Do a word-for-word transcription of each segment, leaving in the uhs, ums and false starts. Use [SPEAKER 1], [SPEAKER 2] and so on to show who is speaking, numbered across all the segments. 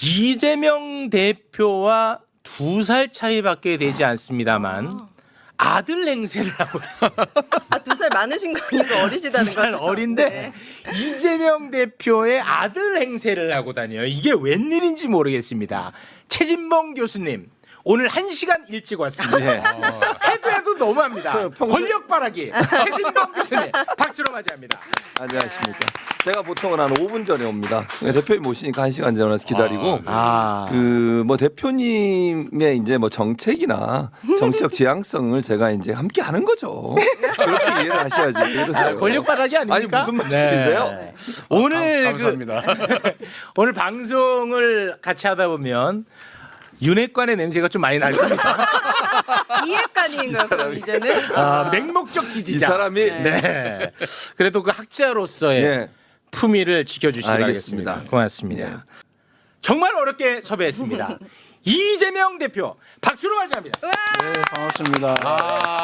[SPEAKER 1] 이재명 대표와 두 살 차이밖에 되지 않습니다만 아들 행세를 하고
[SPEAKER 2] 아, 두 살 많으신 거 아니고 어리시다는
[SPEAKER 1] 두 살
[SPEAKER 2] 거죠?
[SPEAKER 1] 어린데
[SPEAKER 2] 네.
[SPEAKER 1] 이재명 대표의 아들 행세를 하고 다녀요. 이게 웬일인지 모르겠습니다. 최진봉 교수님 오늘 한 시간 일찍 왔습니다. 해도 해도 너무합니다. 권력 바라기 최진봉 교수님 박수로 맞이합니다.
[SPEAKER 3] 안녕하십니까. 제가 보통은 한 오 분 전에 옵니다. 대표님 모시니까 한 시간 전에 와서 기다리고
[SPEAKER 1] 아.
[SPEAKER 3] 그 뭐 대표님의 이제 뭐 정책이나 정치적 지향성을 제가 이제 함께 하는 거죠. 그렇게 이해를 하셔야지. 이러세요.
[SPEAKER 1] 아, 권력 바라기 아닙니까?
[SPEAKER 3] 아니 무슨 말씀이세요?
[SPEAKER 1] 네. 오늘
[SPEAKER 4] 아, 감사합니다.
[SPEAKER 1] 그, 오늘 방송을 같이 하다 보면 윤핵관의 냄새가 좀 많이 날 겁니다.
[SPEAKER 2] 이해관인가요? 그럼 이제는?
[SPEAKER 1] 아, 맹목적 지지자.
[SPEAKER 3] 이 사람이
[SPEAKER 1] 네. 그래도 그 학자로서의
[SPEAKER 3] 예.
[SPEAKER 1] 품위를 지켜주시기
[SPEAKER 3] 알겠습니다.
[SPEAKER 1] 바라겠습니다. 고맙습니다.
[SPEAKER 3] 예.
[SPEAKER 1] 정말 어렵게 섭외했습니다. 이재명 대표 박수로 맞이합니다.
[SPEAKER 4] 네, 반갑습니다.
[SPEAKER 1] 아,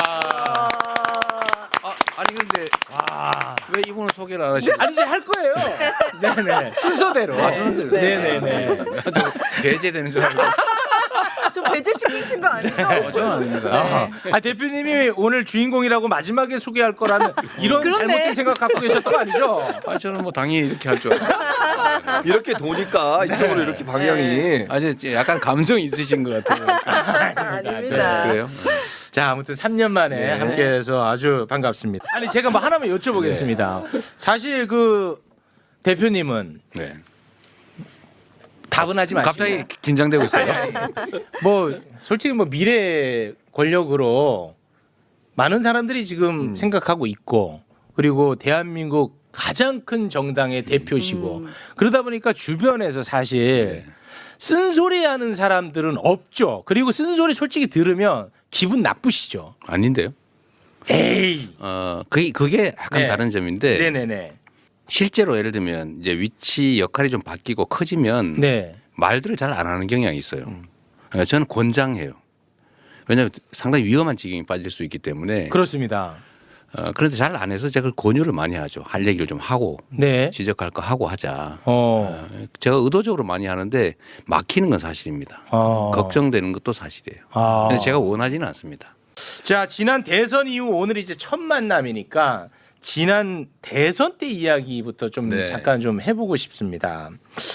[SPEAKER 4] 아, 아니 근데
[SPEAKER 1] 아.
[SPEAKER 4] 왜 이분을 소개를 안 하시죠?
[SPEAKER 1] 아니 이제 할 거예요. 네네 순서대로.
[SPEAKER 4] 아, 순서대로.
[SPEAKER 1] 네네네.
[SPEAKER 4] 배제되는 줄 알고.
[SPEAKER 2] 좀 배제식 미친 거 아니죠?
[SPEAKER 4] 어, 저는 아닙니다.
[SPEAKER 1] 아, 아, 대표님이 오늘 주인공이라고 마지막에 소개할 거라는 이런
[SPEAKER 2] 그러네.
[SPEAKER 1] 잘못된 생각 갖고 계셨던 거 아니죠?
[SPEAKER 4] 아, 저는 뭐 당연히 이렇게 할 줄 알고.
[SPEAKER 3] 이렇게 도니까 이쪽으로 이렇게 방향이
[SPEAKER 4] 아, 이제 약간 감정이 있으신 것 같아요.
[SPEAKER 2] 아닙니다.
[SPEAKER 4] 그래요?
[SPEAKER 1] 자, 아무튼 삼 년 만에
[SPEAKER 3] 네.
[SPEAKER 1] 함께해서 아주 반갑습니다. 아니 제가 뭐 하나만 여쭤보겠습니다. 사실 그 대표님은
[SPEAKER 4] 네.
[SPEAKER 1] 답은 하지 마시고
[SPEAKER 4] 갑자기 긴장되고 있어요.
[SPEAKER 1] 뭐 솔직히 뭐 미래 권력으로 많은 사람들이 지금 생각하고 있고 그리고 대한민국 가장 큰 정당의 대표시고 그러다 보니까 주변에서 사실
[SPEAKER 4] 네.
[SPEAKER 1] 쓴소리하는 사람들은 없죠. 그리고 쓴소리 솔직히 들으면 기분 나쁘시죠.
[SPEAKER 4] 아닌데요?
[SPEAKER 1] 에이.
[SPEAKER 4] 어, 그게 그게 약간
[SPEAKER 1] 네.
[SPEAKER 4] 다른 점인데
[SPEAKER 1] 네네네.
[SPEAKER 4] 실제로 예를 들면 이제 위치 역할이 좀 바뀌고 커지면
[SPEAKER 1] 네.
[SPEAKER 4] 말들을 잘 안 하는 경향이 있어요. 어, 저는 권장해요. 왜냐하면 상당히 위험한 지경에 빠질 수 있기 때문에.
[SPEAKER 1] 그렇습니다.
[SPEAKER 4] 어, 그런데 잘 안 해서 제가 권유를 많이 하죠. 할 얘기를 좀 하고
[SPEAKER 1] 네.
[SPEAKER 4] 지적할 거 하고 하자.
[SPEAKER 1] 어.
[SPEAKER 4] 어, 제가 의도적으로 많이 하는데 막히는 건 사실입니다.
[SPEAKER 1] 어.
[SPEAKER 4] 걱정되는 것도 사실이에요.
[SPEAKER 1] 아.
[SPEAKER 4] 근데 제가 원하지는 않습니다.
[SPEAKER 1] 자, 지난 대선 이후 오늘 이제 첫 만남이니까 지난 대선 때 이야기부터 좀
[SPEAKER 4] 네.
[SPEAKER 1] 잠깐 좀 해보고 싶습니다.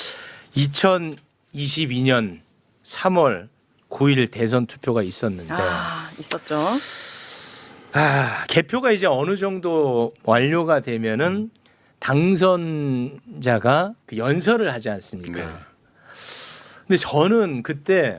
[SPEAKER 1] 이천이십이 년 삼월 구일 대선 투표가 있었는데
[SPEAKER 2] 아, 있었죠.
[SPEAKER 1] 아, 개표가 이제 어느 정도 완료가 되면은 당선자가 그 연설을 하지 않습니까?
[SPEAKER 4] 네.
[SPEAKER 1] 근데 저는 그때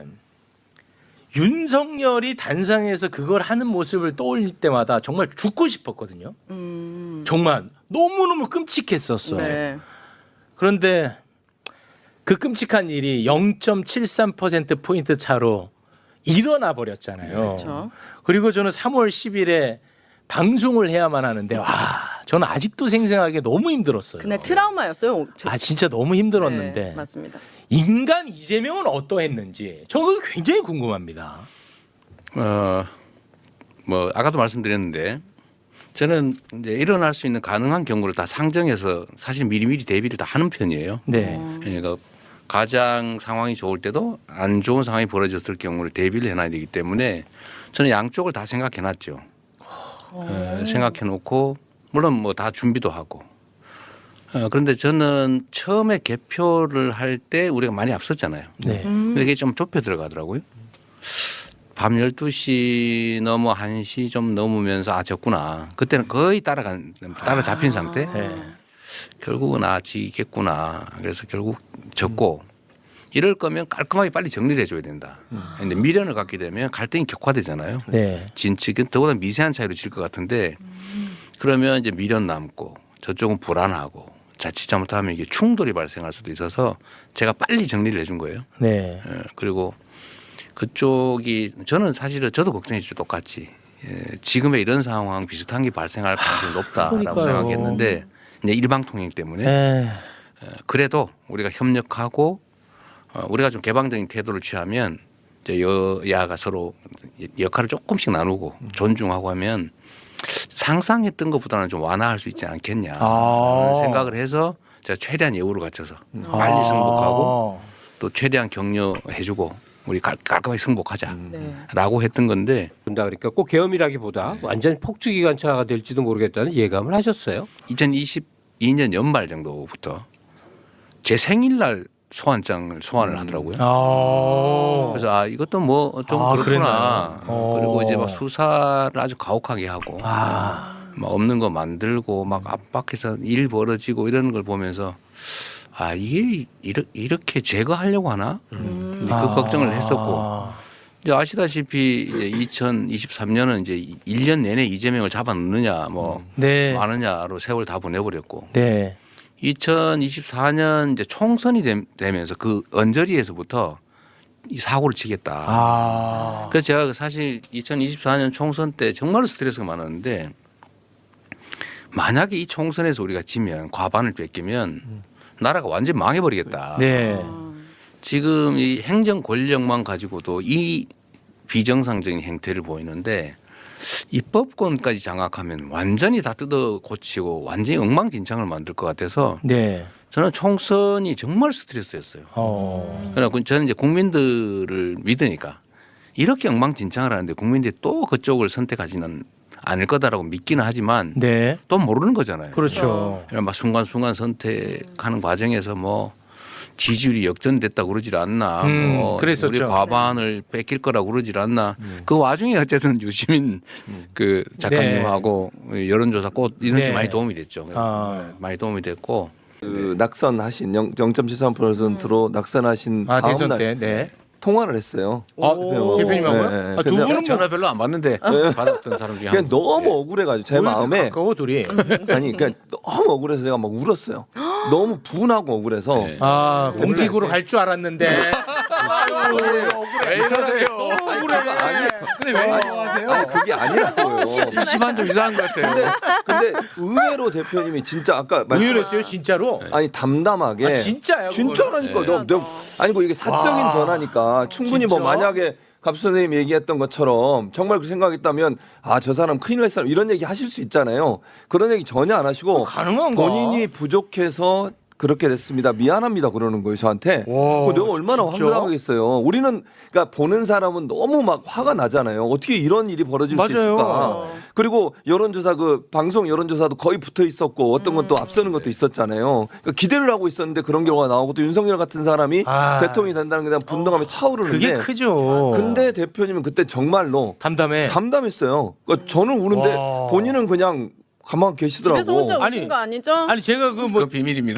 [SPEAKER 1] 윤석열이 단상에서 그걸 하는 모습을 떠올릴 때마다 정말 죽고 싶었거든요.
[SPEAKER 2] 음.
[SPEAKER 1] 정말 너무너무 끔찍했었어.
[SPEAKER 2] 네.
[SPEAKER 1] 그런데 그 끔찍한 일이 영 점 칠삼 퍼센트 포인트 차로 일어나 버렸잖아요.
[SPEAKER 2] 그렇죠.
[SPEAKER 1] 그리고 저는 삼월 십일에 방송을 해야만 하는데 와, 저는 아직도 생생하게 너무 힘들었어요.
[SPEAKER 2] 그날 트라우마였어요. 제-
[SPEAKER 1] 아, 진짜 너무 힘들었는데
[SPEAKER 2] 네, 맞습니다.
[SPEAKER 1] 인간 이재명은 어떠했는지 저는 그게 굉장히 궁금합니다.
[SPEAKER 4] 어, 뭐 아까도 말씀드렸는데 저는 이제 일어날 수 있는 가능한 경우를 다 상정해서 사실 미리미리 대비를 다 하는 편이에요.
[SPEAKER 1] 네.
[SPEAKER 2] 어.
[SPEAKER 4] 그러니까 가장 상황이 좋을 때도 안 좋은 상황이 벌어졌을 경우를 대비를 해놔야 되기 때문에 저는 양쪽을 다 생각해놨죠. 어, 생각해놓고 물론 뭐 다 준비도 하고. 어, 그런데 저는 처음에 개표를 할 때 우리가 많이 앞섰잖아요.
[SPEAKER 1] 네.
[SPEAKER 2] 음.
[SPEAKER 4] 근데 이게 좀 좁혀 들어가더라고요. 밤 열두 시 넘어 한 시 좀 넘으면서 아 졌구나. 그때는 거의 따라간 따라잡힌 상태.
[SPEAKER 1] 네.
[SPEAKER 4] 결국은 아 지겠구나. 그래서 결국 졌고 이럴 거면 깔끔하게 빨리 정리를 해줘야 된다. 근데 미련을 갖게 되면 갈등이 격화되잖아요.
[SPEAKER 1] 네.
[SPEAKER 4] 진 측은 더보다 미세한 차이로 질 것 같은데 그러면 이제 미련 남고 저쪽은 불안하고 자칫 잘못하면 이게 충돌이 발생할 수도 있어서 제가 빨리 정리를 해준 거예요.
[SPEAKER 1] 네.
[SPEAKER 4] 예, 그리고 그쪽이 저는 사실은 저도 걱정했죠. 똑같이 예, 지금의 이런 상황 비슷한 게 발생할 가능성이 높다라고
[SPEAKER 1] 그러니까요.
[SPEAKER 4] 생각했는데 이제 일방통행 때문에
[SPEAKER 1] 네.
[SPEAKER 4] 예, 그래도 우리가 협력하고 어, 우리가 좀 개방적인 태도를 취하면 이제 여야가 서로 역할을 조금씩 나누고 존중하고 하면 상상했던 것보다는 좀 완화할 수 있지 않겠냐
[SPEAKER 1] 아.
[SPEAKER 4] 생각을 해서 제가 최대한 예우를 갖춰서 빨리 승복하고 또 최대한 격려해주고 우리 깔, 깔끔하게 승복하자라고
[SPEAKER 2] 네.
[SPEAKER 4] 했던 건데
[SPEAKER 5] 본다 그러니까 꼭 계엄이라기보다 완전 폭주기관차가 될지도 모르겠다는 예감을 하셨어요.
[SPEAKER 4] 이천이십이 년 연말 정도부터 제 생일날 소환장을 소환을 하더라고요.
[SPEAKER 1] 아.
[SPEAKER 4] 그래서 아 이것도 뭐 좀
[SPEAKER 1] 아,
[SPEAKER 4] 그렇구나.
[SPEAKER 1] 그랬나요? 어.
[SPEAKER 4] 그리고 이제 막 수사를 아주 가혹하게 하고
[SPEAKER 1] 아.
[SPEAKER 4] 막 없는 거 만들고 막 압박해서 일 벌어지고 이러는 걸 보면서 아 이게 이르, 이렇게 제거하려고 하나?
[SPEAKER 2] 음.
[SPEAKER 4] 그 걱정을 했었고 이제 아시다시피 이제 이천이십삼 년은 이제 일 년 내내 이재명을 잡아넣느냐 뭐
[SPEAKER 1] 네.
[SPEAKER 4] 마느냐로 세월 다 보내버렸고
[SPEAKER 1] 네.
[SPEAKER 4] 이천이십사 년 이제 총선이 됨- 되면서 그 언저리에서부터 이 사고를 치겠다.
[SPEAKER 1] 아.
[SPEAKER 4] 그래서 제가 사실 이천이십사 년 총선 때 정말로 스트레스가 많았는데 만약에 이 총선에서 우리가 지면 과반을 뺏기면 나라가 완전 히 망해버리겠다.
[SPEAKER 1] 네.
[SPEAKER 2] 아.
[SPEAKER 4] 지금 이 행정 권력만 가지고도 이 비정상적인 행태를 보이는데 입법권까지 장악하면 완전히 다 뜯어 고치고 완전히 엉망진창을 만들 것 같아서
[SPEAKER 1] 네.
[SPEAKER 4] 저는 총선이 정말 스트레스였어요.
[SPEAKER 1] 어.
[SPEAKER 4] 그러나 저는 이제 국민들을 믿으니까 이렇게 엉망진창을 하는데 국민들이 또 그쪽을 선택하지는 않을 거다라고 믿기는 하지만
[SPEAKER 1] 네.
[SPEAKER 4] 또 모르는 거잖아요.
[SPEAKER 1] 그렇죠.
[SPEAKER 4] 그러니까 막 순간순간 선택하는 과정에서 뭐 지지율이 역전됐다고 그러질 않나.
[SPEAKER 1] 음,
[SPEAKER 4] 뭐
[SPEAKER 1] 그랬었죠.
[SPEAKER 4] 우리 과반을 뺏길 거라고 그러질 않나. 그 와중에 어쨌든 유시민 그 작가님하고 여론조사 꽃 이런 게
[SPEAKER 1] 네.
[SPEAKER 4] 많이 도움이 됐죠.
[SPEAKER 1] 아.
[SPEAKER 4] 네, 많이 도움이 됐고.
[SPEAKER 3] 그 낙선하신 영 점 칠삼 퍼센트로 낙선하신
[SPEAKER 1] 아
[SPEAKER 3] 다음
[SPEAKER 1] 대선
[SPEAKER 3] 날
[SPEAKER 1] 때. 네.
[SPEAKER 3] 통화를 했어요.
[SPEAKER 1] 아,
[SPEAKER 2] 오.
[SPEAKER 1] 대표님하고요?
[SPEAKER 3] 네, 네.
[SPEAKER 1] 아, 두
[SPEAKER 3] 근데
[SPEAKER 1] 분은
[SPEAKER 4] 전화
[SPEAKER 1] 뭐
[SPEAKER 4] 별로 안 받는데 받았던 사람 중에
[SPEAKER 3] 그냥
[SPEAKER 4] 한 분.
[SPEAKER 3] 너무
[SPEAKER 4] 예.
[SPEAKER 3] 억울해가지고 제
[SPEAKER 1] 오히려
[SPEAKER 3] 마음에
[SPEAKER 1] 가까워 둘이.
[SPEAKER 3] 아니 그러니까 너무 억울해서 제가 막 울었어요. 너무 분하고 억울해서
[SPEAKER 4] 네.
[SPEAKER 1] 아 공직으로 갈 줄 알았는데. 아유,
[SPEAKER 4] 왜 이러세요?
[SPEAKER 1] 너무 억울해.
[SPEAKER 3] 아니,
[SPEAKER 4] 근데 왜 이러세요?
[SPEAKER 3] 아니 그게 아니라고요.
[SPEAKER 4] 일시반 좀 이상한 것 같아요.
[SPEAKER 3] 근데 의외로 대표님이 진짜 아까 말씀
[SPEAKER 1] 의외로했어요 진짜로.
[SPEAKER 3] 아니 담담하게
[SPEAKER 1] 아 진짜요?
[SPEAKER 3] 진짜라니까
[SPEAKER 4] 네.
[SPEAKER 3] 너, 너 아니고 이게 사적인
[SPEAKER 1] 와.
[SPEAKER 3] 전화니까 충분히 뭐
[SPEAKER 1] 진짜?
[SPEAKER 3] 만약에 갑수 선생님이 얘기했던 것처럼 정말 그 생각했다면 아 저 사람 큰일 날 사람 이런 얘기 하실 수 있잖아요. 그런 얘기 전혀 안 하시고
[SPEAKER 1] 가능한가?
[SPEAKER 3] 본인이 부족해서 그렇게 됐습니다. 미안합니다. 그러는 거예요 저한테.
[SPEAKER 1] 와,
[SPEAKER 3] 그 내가 얼마나
[SPEAKER 1] 진짜?
[SPEAKER 3] 황당하겠어요. 우리는 그러니까 보는 사람은 너무 막 화가 나잖아요. 어떻게 이런 일이 벌어질
[SPEAKER 1] 맞아요.
[SPEAKER 3] 수 있을까?
[SPEAKER 2] 어.
[SPEAKER 3] 그리고 여론조사 그 방송 여론조사도 거의 붙어 있었고 어떤 건 또 앞서는 것도 있었잖아요. 그러니까 기대를 하고 있었는데 그런 경우가 나오고 또 윤석열 같은 사람이
[SPEAKER 1] 아.
[SPEAKER 3] 대통령이 된다는 게 대한 분노감이 차오르는데
[SPEAKER 1] 그게 크죠.
[SPEAKER 3] 근데 대표님은 그때 정말로
[SPEAKER 1] 담담해.
[SPEAKER 3] 담담했어요. 그러니까 저는 우는데
[SPEAKER 1] 와.
[SPEAKER 3] 본인은 그냥 가만 계시더라고.
[SPEAKER 2] 집에서 혼자
[SPEAKER 1] 아니,
[SPEAKER 2] 오신 거 아니죠?
[SPEAKER 1] 아니 제가 그
[SPEAKER 4] 그건
[SPEAKER 1] 뭐
[SPEAKER 4] 비밀입니다.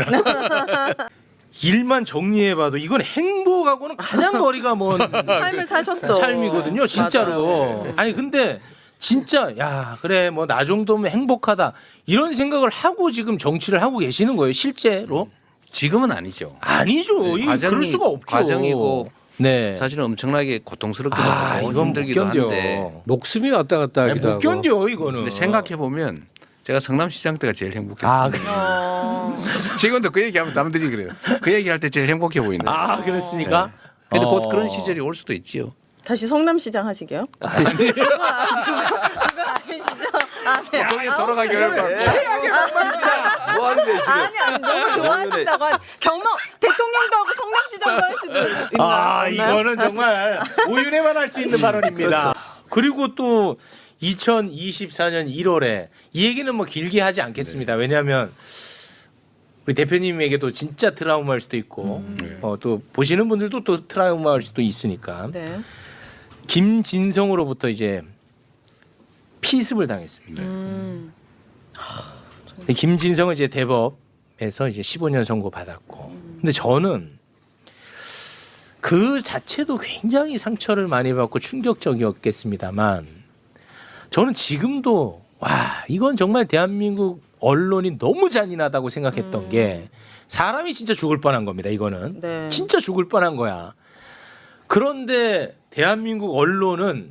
[SPEAKER 1] 일만 정리해봐도 이건 행복하고는 가장 거리가 먼
[SPEAKER 2] 삶을 사셨어.
[SPEAKER 1] 삶이거든요, 진짜로.
[SPEAKER 2] 맞아요.
[SPEAKER 1] 아니 근데 진짜 야 그래 뭐 나 정도면 행복하다 이런 생각을 하고 지금 정치를 하고 계시는 거예요, 실제로?
[SPEAKER 4] 지금은 아니죠.
[SPEAKER 1] 아니죠.
[SPEAKER 4] 네,
[SPEAKER 1] 이거
[SPEAKER 4] 과정이-
[SPEAKER 1] 그럴 수가 없죠.
[SPEAKER 4] 과정이고
[SPEAKER 1] 네.
[SPEAKER 4] 사실은 엄청나게 고통스럽기도
[SPEAKER 1] 아
[SPEAKER 4] 하고
[SPEAKER 1] 이건 못
[SPEAKER 4] 힘들기도
[SPEAKER 1] 견뎌.
[SPEAKER 4] 한데
[SPEAKER 5] 목숨이 왔다 갔다
[SPEAKER 1] 아니,
[SPEAKER 5] 하기도
[SPEAKER 1] 못
[SPEAKER 5] 하고.
[SPEAKER 1] 견뎌 이거는.
[SPEAKER 4] 근데 생각해 보면 제가 성남시장 때가 제일 행복했어요.
[SPEAKER 1] 아, 그래.
[SPEAKER 2] 어.
[SPEAKER 4] 지금도 그 얘기하면 남들이 그래요. 그 얘기할 때 제일 행복해 보이는.
[SPEAKER 1] 아 그랬습니까?
[SPEAKER 4] 근데
[SPEAKER 1] 어.
[SPEAKER 4] 곧 그런 시절이 올 수도 있지요.
[SPEAKER 2] 다시 성남시장 하시게요? 그건 아- 그건 그건 아니시죠? 아, 네.
[SPEAKER 4] 거기 돌아가기 어려울
[SPEAKER 1] 최악의 방법이다.
[SPEAKER 3] 뭐 하는데 지금?
[SPEAKER 2] 아니 아니 너무 좋아하신다고 한 경험 대통령도 하고 성남시장도 할 수도 있나?
[SPEAKER 1] 아
[SPEAKER 2] 없나요?
[SPEAKER 1] 이거는 정말 오윤회만 할 수 있는 발언입니다. 그리고 또 이천이십사 년 일월에 이 얘기는 뭐 길게 하지 않겠습니다. 왜냐하면 우리 대표님에게도 진짜 트라우마일 수도 있고
[SPEAKER 4] 네.
[SPEAKER 1] 어, 또 보시는 분들도 또 트라우마일 수도 있으니까
[SPEAKER 2] 네.
[SPEAKER 1] 김진성으로부터 이제 피습을 당했습니다.
[SPEAKER 2] 음.
[SPEAKER 1] 근데 김진성은 이제 대법에서 이제 십오 년 선고 받았고, 근데 저는 그 자체도 굉장히 상처를 많이 받고 충격적이었겠습니다만, 저는 지금도 와 이건 정말 대한민국 언론이 너무 잔인하다고 생각했던
[SPEAKER 2] 음.
[SPEAKER 1] 게 사람이 진짜 죽을 뻔한 겁니다. 이거는
[SPEAKER 2] 네.
[SPEAKER 1] 진짜 죽을 뻔한 거야. 그런데 대한민국 언론은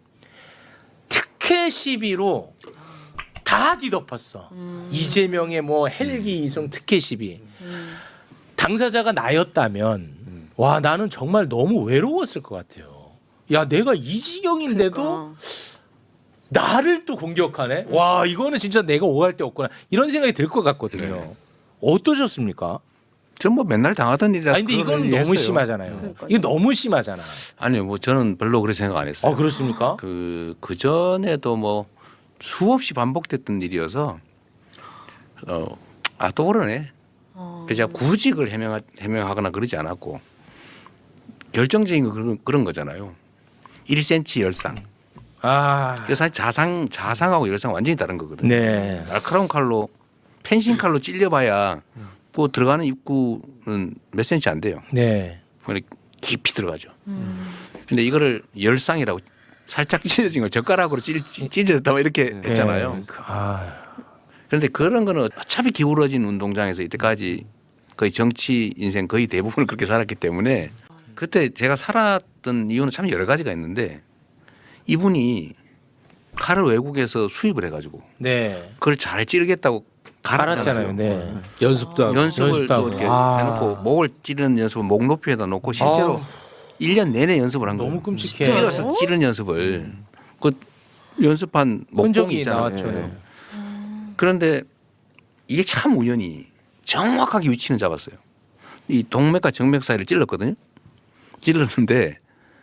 [SPEAKER 1] 특혜 시비로 다 뒤덮었어.
[SPEAKER 2] 음.
[SPEAKER 1] 이재명의 뭐 헬기 이송 특혜 시비.
[SPEAKER 2] 음.
[SPEAKER 1] 당사자가 나였다면 와 나는 정말 너무 외로웠을 것 같아요. 야 내가 이 지경인데도
[SPEAKER 2] 그러니까.
[SPEAKER 1] 나를 또 공격하네. 와 이거는 진짜 내가 오할 데 없구나 이런 생각이 들 것 같거든요.
[SPEAKER 4] 네.
[SPEAKER 1] 어떠셨습니까?
[SPEAKER 4] 전 뭐 맨날 당하던 일이라.
[SPEAKER 1] 아니 근데 이건 너무 심하잖아요.
[SPEAKER 2] 그러니까요.
[SPEAKER 1] 이거 너무 심하잖아.
[SPEAKER 4] 아니요, 뭐 저는 별로 그렇게 생각 안 했어요.
[SPEAKER 1] 아 그렇습니까?
[SPEAKER 4] 그, 그 전에도 뭐 수없이 반복됐던 일이어서, 어, 아, 또 그러네.
[SPEAKER 2] 어.
[SPEAKER 4] 그래서 제가 구직을 해명, 해명하거나 그러지 않았고, 결정적인 거 그런, 그런 거잖아요. 일 센티미터 열상.
[SPEAKER 1] 아
[SPEAKER 4] 그래서 사실 자상, 자상하고 열상 완전히 다른 거거든요.
[SPEAKER 1] 네.
[SPEAKER 4] 날카로운 칼로, 펜싱 칼로 찔려봐야 그 들어가는 입구는 몇 센치 안 돼요.
[SPEAKER 1] 네.
[SPEAKER 4] 그러니까 깊이 들어가죠.
[SPEAKER 2] 음.
[SPEAKER 4] 근데 이거를 열상이라고 살짝 찢어진 걸 젓가락으로 찢, 찢어졌다 뭐 이렇게 했잖아요.
[SPEAKER 1] 네. 그- 아.
[SPEAKER 4] 그런데 그런 거는 어차피 기울어진 운동장에서 이때까지 거의 정치 인생 거의 대부분을 그렇게 살았기 때문에 그때 제가 살았던 이유는 참 여러 가지가 있는데 이분이 칼을 외국에서 수입을 해가지고
[SPEAKER 1] 네.
[SPEAKER 4] 그걸 잘 찌르겠다고
[SPEAKER 1] 갈았잖아요.
[SPEAKER 4] 갈았잖아요.
[SPEAKER 1] 네.
[SPEAKER 5] 연습도 하고.
[SPEAKER 4] 연습을
[SPEAKER 1] 연습도 하고.
[SPEAKER 4] 또 이렇게
[SPEAKER 1] 아.
[SPEAKER 4] 해놓고 목을 찌르는 연습을 목 높이에다 놓고 실제로
[SPEAKER 5] 아.
[SPEAKER 4] 일 년 내내 연습을 한 거예요.
[SPEAKER 1] 너무 끔찍해.
[SPEAKER 4] 찌어서 찌르는 연습을 그 연습한 목공이
[SPEAKER 1] 흔적이
[SPEAKER 4] 있잖아요.
[SPEAKER 1] 나왔죠. 네.
[SPEAKER 4] 그런데 이게 참 우연히 정확하게 위치는 잡았어요. 이 동맥과 정맥 사이를 찔렀거든요. 찔렀는데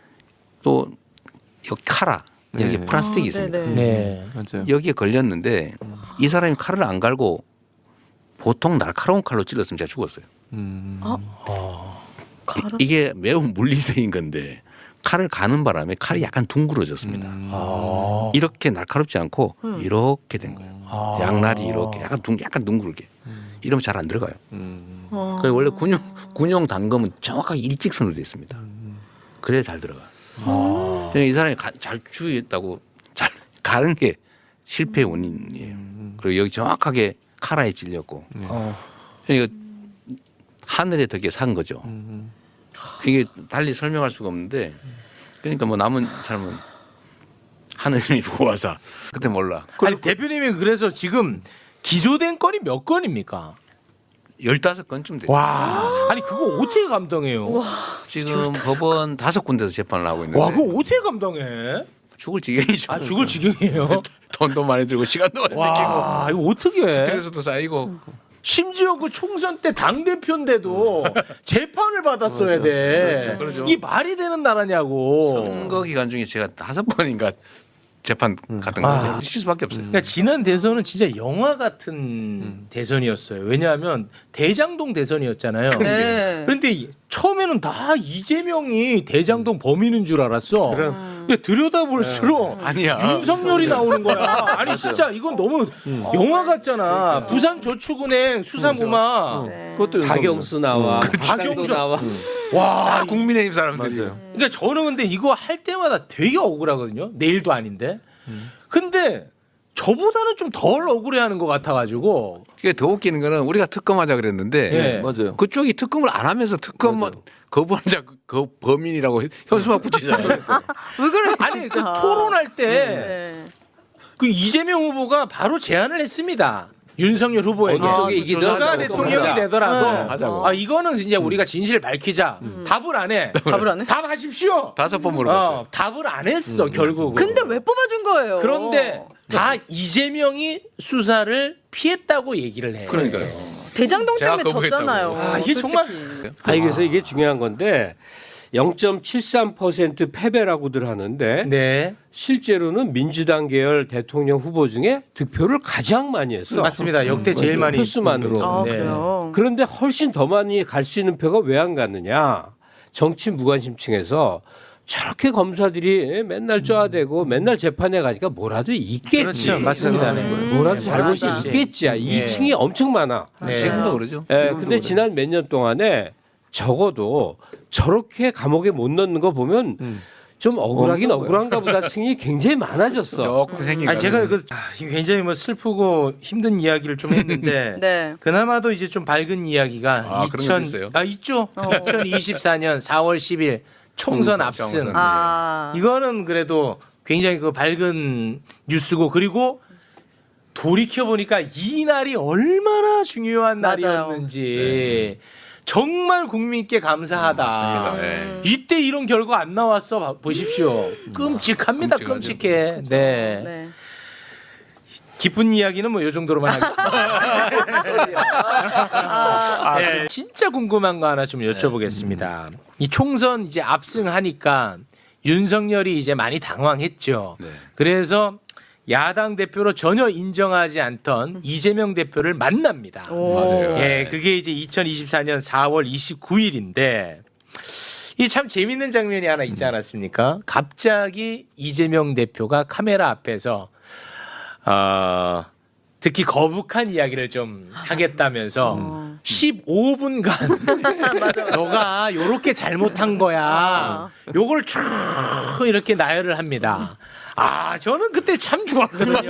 [SPEAKER 4] 또 여기 카라 여기
[SPEAKER 3] 네.
[SPEAKER 4] 플라스틱이
[SPEAKER 2] 아,
[SPEAKER 4] 있습니다.
[SPEAKER 2] 네네.
[SPEAKER 1] 네.
[SPEAKER 3] 맞아요.
[SPEAKER 4] 여기에 걸렸는데 이 사람이 칼을 안 갈고 보통 날카로운 칼로 찔렀으면 제가 죽었어요.
[SPEAKER 3] 음.
[SPEAKER 2] 아,
[SPEAKER 1] 아.
[SPEAKER 2] 가라.
[SPEAKER 4] 이, 게 매우 물리적인 건데 칼을 가는 바람에 칼이 약간 둥그러졌습니다.
[SPEAKER 3] 음.
[SPEAKER 1] 아.
[SPEAKER 4] 이렇게 날카롭지 않고
[SPEAKER 2] 음.
[SPEAKER 4] 이렇게 된 거예요.
[SPEAKER 1] 아.
[SPEAKER 4] 양날이 이렇게 약간 둥 약간 둥글게 이러면 잘 안 들어가요.
[SPEAKER 3] 음.
[SPEAKER 2] 어.
[SPEAKER 4] 그 원래 군용 군용 단검은 정확하게 일직선으로 돼 있습니다. 그래야 잘 들어가.
[SPEAKER 1] 아.
[SPEAKER 4] 그러니까 이 사람이 가, 잘 주의했다고 잘 가는 게 실패의 원인이에요. 그리고 여기 정확하게 카라에 찔렸고
[SPEAKER 1] 어.
[SPEAKER 4] 그러니까 하늘의 덕에 산 거죠.
[SPEAKER 3] 음.
[SPEAKER 4] 이게 달리 설명할 수가 없는데 그러니까 뭐 남은 삶은 하늘이 보아사 그때 몰라.
[SPEAKER 1] 아니 대표님이 그래서 지금 기소된 건이 몇 건입니까?
[SPEAKER 4] 열다섯 건쯤 돼요.
[SPEAKER 1] 와. 아니 그거 어떻게 감당해요?
[SPEAKER 4] 지금 법원 다섯 군데서 재판을 하고 있는데
[SPEAKER 1] 와 그거 어떻게 감당해?
[SPEAKER 4] 죽을 지경이죠.
[SPEAKER 1] 아 죽을 지경이에요.
[SPEAKER 4] 돈도 많이 들고 시간도 많이 들고
[SPEAKER 1] 와 이거 어떻게 해?
[SPEAKER 4] 스트레스도 쌓이고
[SPEAKER 1] 심지어 그 총선 때 당 대표인데도 재판을 받았어야 돼.
[SPEAKER 4] 그렇죠, 그렇죠.
[SPEAKER 1] 이 말이 되는 나라냐고.
[SPEAKER 4] 선거 기간 중에 제가 다섯 번인가 재판 갔던
[SPEAKER 1] 아.
[SPEAKER 4] 거죠. 쉴 수밖에 없어요.
[SPEAKER 1] 그러니까 지난 대선은 진짜 영화 같은 대선이었어요. 왜냐하면 대장동 대선이었잖아요.
[SPEAKER 2] 네.
[SPEAKER 1] 그런데 이- 처음에는 다 이재명이 대장동 범인인 줄 알았어.
[SPEAKER 2] 음.
[SPEAKER 1] 근데 들여다볼수록
[SPEAKER 4] 아니야.
[SPEAKER 1] 윤석열이 나오는 거야. 아니 진짜 이건 너무 영화 같잖아. 부산저축은행 수사무마.
[SPEAKER 2] 네.
[SPEAKER 3] 그것도
[SPEAKER 5] 박영수 나와.
[SPEAKER 1] 음.
[SPEAKER 5] 박영수
[SPEAKER 1] 박영수.
[SPEAKER 5] 나와.
[SPEAKER 1] 와,
[SPEAKER 4] 아, 국민의힘 사람들이.
[SPEAKER 3] 맞아요.
[SPEAKER 1] 그러니까 저는 근데 이거 할 때마다 되게 억울하거든요. 내일도 아닌데. 근데 저보다는 좀 덜 억울해하는 것 같아가지고.
[SPEAKER 4] 이게 더 웃기는 거는 우리가 특검하자 그랬는데
[SPEAKER 1] 예.
[SPEAKER 3] 맞아요.
[SPEAKER 4] 그쪽이 특검을 안 하면서 특검
[SPEAKER 3] 맞아요.
[SPEAKER 4] 거부한 자 그 범인이라고 현수막 붙이잖아요.
[SPEAKER 2] 왜 그래?
[SPEAKER 1] 아니 그
[SPEAKER 2] 진짜.
[SPEAKER 1] 토론할 때
[SPEAKER 2] 네.
[SPEAKER 1] 그 이재명 후보가 바로 제안을 했습니다. 윤석열 후보에게.
[SPEAKER 5] 어느 쪽이
[SPEAKER 1] 아,
[SPEAKER 5] 이기든
[SPEAKER 1] 누가
[SPEAKER 5] 하자고.
[SPEAKER 1] 대통령이
[SPEAKER 5] 하자.
[SPEAKER 1] 되더라도
[SPEAKER 2] 네.
[SPEAKER 4] 하자고.
[SPEAKER 1] 아 이거는 이제 우리가 진실을 밝히자. 답을 안 해.
[SPEAKER 2] 답을 안 해?
[SPEAKER 1] 답하십시오.
[SPEAKER 4] 다섯 번 물어봤어요.
[SPEAKER 1] 어, 답을 안 했어 결국.
[SPEAKER 2] 근데 왜 뽑아준 거예요?
[SPEAKER 1] 그런데 다 이재명이 수사를 피했다고 얘기를 해.
[SPEAKER 4] 그러니까요.
[SPEAKER 2] 대장동
[SPEAKER 4] 제가
[SPEAKER 2] 때문에
[SPEAKER 4] 거부했다고.
[SPEAKER 2] 졌잖아요.
[SPEAKER 1] 아, 이게
[SPEAKER 2] 솔직히.
[SPEAKER 1] 정말-
[SPEAKER 5] 아니 그래서 이게 중요한 건데 영 점 칠삼 퍼센트 패배라고들 하는데
[SPEAKER 1] 네.
[SPEAKER 5] 실제로는 민주당 계열 대통령 후보 중에 득표를 가장 많이 했어.
[SPEAKER 1] 맞습니다. 역대 제일 많이
[SPEAKER 5] 표수만으로.
[SPEAKER 2] 아,
[SPEAKER 1] 네.
[SPEAKER 2] 그래요.
[SPEAKER 5] 그런데 훨씬 더 많이 갈 수 있는 표가 왜 안 갔느냐? 정치 무관심층에서 저렇게 검사들이 맨날 쪼아대고 맨날 재판에 가니까 뭐라도 있겠지.
[SPEAKER 1] 그렇죠. 맞습니다. 네.
[SPEAKER 5] 뭐라도
[SPEAKER 2] 음,
[SPEAKER 5] 잘못이
[SPEAKER 2] 맞아.
[SPEAKER 5] 있겠지.
[SPEAKER 1] 예.
[SPEAKER 5] 이 층이 엄청 많아.
[SPEAKER 1] 네.
[SPEAKER 4] 지금도 그러죠.
[SPEAKER 5] 예, 근데 지난 몇 년 동안에 적어도 저렇게 감옥에 못 넣는 거 보면
[SPEAKER 3] 음.
[SPEAKER 5] 좀 억울하긴
[SPEAKER 3] 없는
[SPEAKER 5] 억울한가 보다 층이 굉장히 많아졌어.
[SPEAKER 4] 조금 생긴.
[SPEAKER 1] 아 제가 그 아, 굉장히 뭐 슬프고 힘든 이야기를 좀 했는데
[SPEAKER 2] 네.
[SPEAKER 1] 그나마도 이제 좀 밝은 이야기가
[SPEAKER 4] 아, 그런 것도 있어요?
[SPEAKER 1] 아 있죠.
[SPEAKER 2] 어.
[SPEAKER 1] 이천이십사 년 사월 십일 총선
[SPEAKER 4] 총선,
[SPEAKER 1] 압승.
[SPEAKER 4] 총선.
[SPEAKER 2] 아.
[SPEAKER 1] 이거는 그래도 굉장히 그 밝은 뉴스고 그리고 돌이켜 보니까 이 날이 얼마나 중요한
[SPEAKER 2] 맞아요.
[SPEAKER 1] 날이었는지 정말 국민께 감사하다.
[SPEAKER 4] 맞습니다. 네.
[SPEAKER 1] 이때 이런 결과 안 나왔어 봐- 보십시오. 끔찍합니다.
[SPEAKER 4] 끔찍하죠.
[SPEAKER 1] 끔찍해. 네.
[SPEAKER 2] 네.
[SPEAKER 1] 깊은 이야기는 뭐 요 정도로만 하겠습니다.
[SPEAKER 2] 아,
[SPEAKER 1] 네, 진짜 궁금한 거 하나 좀 여쭤보겠습니다. 이 총선 이제 압승하니까 윤석열이 이제 많이 당황했죠.
[SPEAKER 4] 네.
[SPEAKER 1] 그래서 야당 대표로 전혀 인정하지 않던 이재명 대표를 만납니다.
[SPEAKER 2] 오.
[SPEAKER 4] 맞아요.
[SPEAKER 1] 예, 그게 이제 이천이십사 년 사월 이십구일인데 이 참 재밌는 장면이 하나 있지 않았습니까? 갑자기 이재명 대표가 카메라 앞에서 어, 듣기 거북한 이야기를 좀 하겠다면서
[SPEAKER 2] 어.
[SPEAKER 1] 십오 분간 너가 요렇게 잘못한 거야.
[SPEAKER 2] 아.
[SPEAKER 1] 요걸 쭉 이렇게 나열을 합니다. 아, 저는 그때 참 좋았거든요.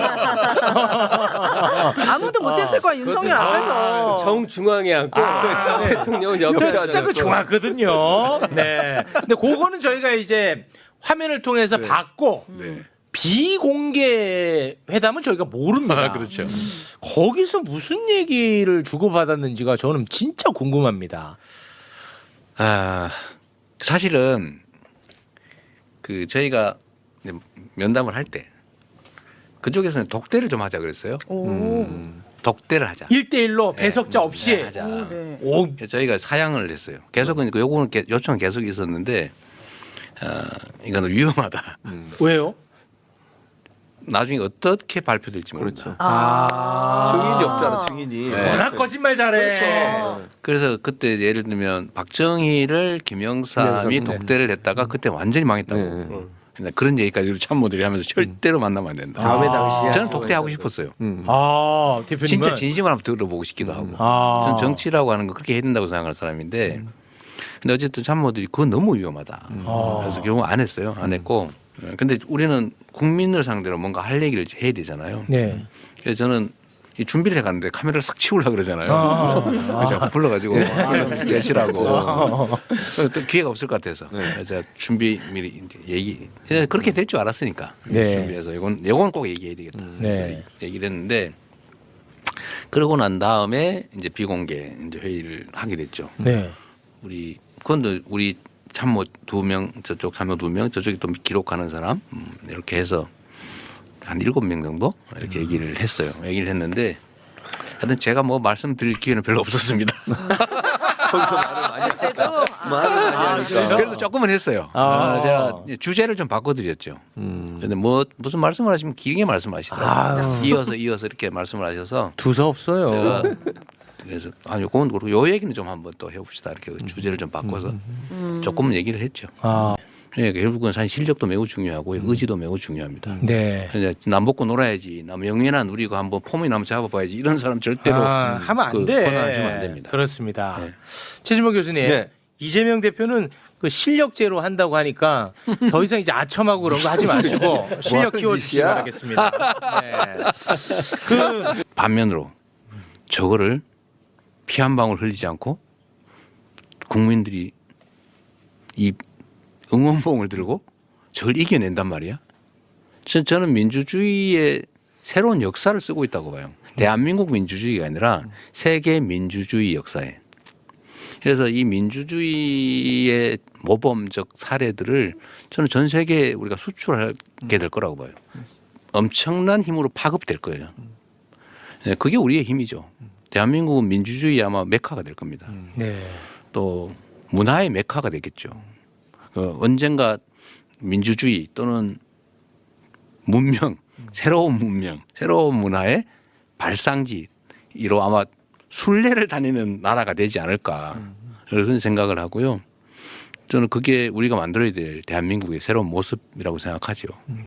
[SPEAKER 2] 아무도 못했을 거야 윤석열 앞에서.
[SPEAKER 5] 정중앙에 앉고
[SPEAKER 1] 아, 네.
[SPEAKER 5] 대통령은 옆에
[SPEAKER 1] 저 진짜 그
[SPEAKER 5] 앉아서.
[SPEAKER 1] 좋았거든요. 네. 근데 그거는 저희가 이제 화면을 통해서 봤고
[SPEAKER 4] 네.
[SPEAKER 1] 비공개 회담은 저희가 모릅니다.
[SPEAKER 4] 아, 그렇죠.
[SPEAKER 1] 거기서 무슨 얘기를 주고받았는지가 저는 진짜 궁금합니다.
[SPEAKER 4] 아, 사실은 그 저희가 이제 면담을 할 때 그쪽에서는 독대를 좀 하자 그랬어요.
[SPEAKER 2] 오.
[SPEAKER 4] 독대를 하자.
[SPEAKER 1] 일대일로
[SPEAKER 4] 네.
[SPEAKER 1] 배석자 없이.
[SPEAKER 4] 네, 하자.
[SPEAKER 2] 오, 네.
[SPEAKER 1] 오,
[SPEAKER 4] 저희가 사양을 했어요. 계속은 그 요거는 게- 요청은 계속 있었는데 어, 이거는 위험하다.
[SPEAKER 1] 왜요?
[SPEAKER 4] 나중에 어떻게 발표될지 모른다.
[SPEAKER 3] 그렇죠.
[SPEAKER 2] 아.
[SPEAKER 3] 증인이 없잖아, 증인이.
[SPEAKER 4] 네.
[SPEAKER 1] 워낙 거짓말 잘해.
[SPEAKER 3] 그렇죠.
[SPEAKER 4] 그래서 그때 예를 들면 박정희를 김영삼이
[SPEAKER 3] 김영삼, 네.
[SPEAKER 4] 독대를 했다가 그때 완전히 망했다고.
[SPEAKER 3] 네.
[SPEAKER 4] 음. 그런 얘기까지 우리 참모들이 하면서 절대로 만나면 안 된다.
[SPEAKER 5] 다음에
[SPEAKER 1] 아.
[SPEAKER 5] 당시에
[SPEAKER 4] 저는 독대하고 싶었어요.
[SPEAKER 3] 음.
[SPEAKER 1] 아, 대표님은
[SPEAKER 4] 진짜 진심을 한번 들어보고 싶기도 하고.
[SPEAKER 1] 아.
[SPEAKER 4] 저는 정치라고 하는 거 그렇게 해야 된다고 생각하는 사람인데 근데 어쨌든 참모들이 그건 너무 위험하다.
[SPEAKER 1] 아.
[SPEAKER 4] 그래서 결국 안 했어요. 안 했고 근데 우리는 국민을 상대로 뭔가 할 얘기를 해야 되잖아요.
[SPEAKER 1] 네.
[SPEAKER 4] 그래서 저는 이 준비를 해가는데 카메라를 싹 치우려고 그러잖아요.
[SPEAKER 1] 아.
[SPEAKER 4] 그래서 제가 불러가지고 계시라고 또 기회가 없을 것 같아서 그래서 제가 준비 미리 이제 얘기 그냥 그렇게 될 줄 알았으니까
[SPEAKER 1] 네.
[SPEAKER 4] 준비해서 이건 이건 꼭 얘기해야 되겠다. 그래서
[SPEAKER 1] 네.
[SPEAKER 4] 얘기를 했는데 그러고 난 다음에 이제 비공개 이제 회의를 하게 됐죠.
[SPEAKER 1] 네.
[SPEAKER 4] 우리 그건 우리 참모 두 명 저쪽 참모 두 명 저쪽이 또 기록하는 사람 음, 이렇게 해서 한 일곱 명 정도 이렇게 얘기를 했어요. 얘기를 했는데 하여튼 제가 뭐 말씀드릴 기회는 별로 없었습니다.
[SPEAKER 3] 거기서 말을 많이
[SPEAKER 2] 그때도 아.
[SPEAKER 3] 말을 많이 하니까.
[SPEAKER 4] 그래도 조금은 했어요.
[SPEAKER 1] 아.
[SPEAKER 4] 아, 제가 주제를 좀 바꿔드렸죠.
[SPEAKER 3] 음.
[SPEAKER 4] 근데 뭐 무슨 말씀을 하시면 길게 말씀하시더라고요.
[SPEAKER 1] 아유.
[SPEAKER 4] 이어서 이어서 이렇게 말씀을 하셔서
[SPEAKER 1] 두서 없어요.
[SPEAKER 4] 제가 그래서 아니 그건 그렇고 요 얘기는 좀 한번 또 해봅시다 이렇게 주제를 좀 바꿔서
[SPEAKER 2] 음.
[SPEAKER 4] 조금은 얘기를 했죠.
[SPEAKER 1] 아,
[SPEAKER 4] 그러니까 결국은 사실 실력도 매우 중요하고 의지도 매우 중요합니다.
[SPEAKER 1] 네.
[SPEAKER 4] 그냥 남 먹고 놀아야지, 남 영예나 누리고 한번 폼이나 한번 잡아봐야지 이런 사람 절대로
[SPEAKER 1] 아, 하면 안
[SPEAKER 4] 그
[SPEAKER 1] 돼.
[SPEAKER 4] 권한을 주면 안 됩니다.
[SPEAKER 1] 그렇습니다.
[SPEAKER 4] 네.
[SPEAKER 1] 최진모 교수님,
[SPEAKER 3] 네.
[SPEAKER 1] 이재명 대표는 그 실력제로 한다고 하니까 더 이상 이제 아첨하고 그런 거 하지 마시고 실력
[SPEAKER 3] 하는
[SPEAKER 1] 키워주시기
[SPEAKER 3] 짓이야?
[SPEAKER 1] 바라겠습니다. 네. 그
[SPEAKER 4] 반면으로 저거를 피 한 방울 흘리지 않고 국민들이 이 응원봉을 들고 저걸 이겨낸단 말이야. 저, 저는 민주주의의 새로운 역사를 쓰고 있다고 봐요. 대한민국 민주주의가 아니라 세계 민주주의 역사에. 그래서 이 민주주의의 모범적 사례들을 저는 전 세계에 우리가 수출하게 될 거라고 봐요. 엄청난 힘으로 파급될 거예요. 네, 그게 우리의 힘이죠. 대한민국은 민주주의 아마 메카가 될 겁니다.
[SPEAKER 1] 네.
[SPEAKER 4] 또 문화의 메카가 되겠죠. 그 언젠가 민주주의 또는 문명, 새로운 문명, 새로운 문화의 발상지로 아마 순례를 다니는 나라가 되지 않을까 그런 생각을 하고요. 저는 그게 우리가 만들어야 될 대한민국의 새로운 모습이라고 생각하죠.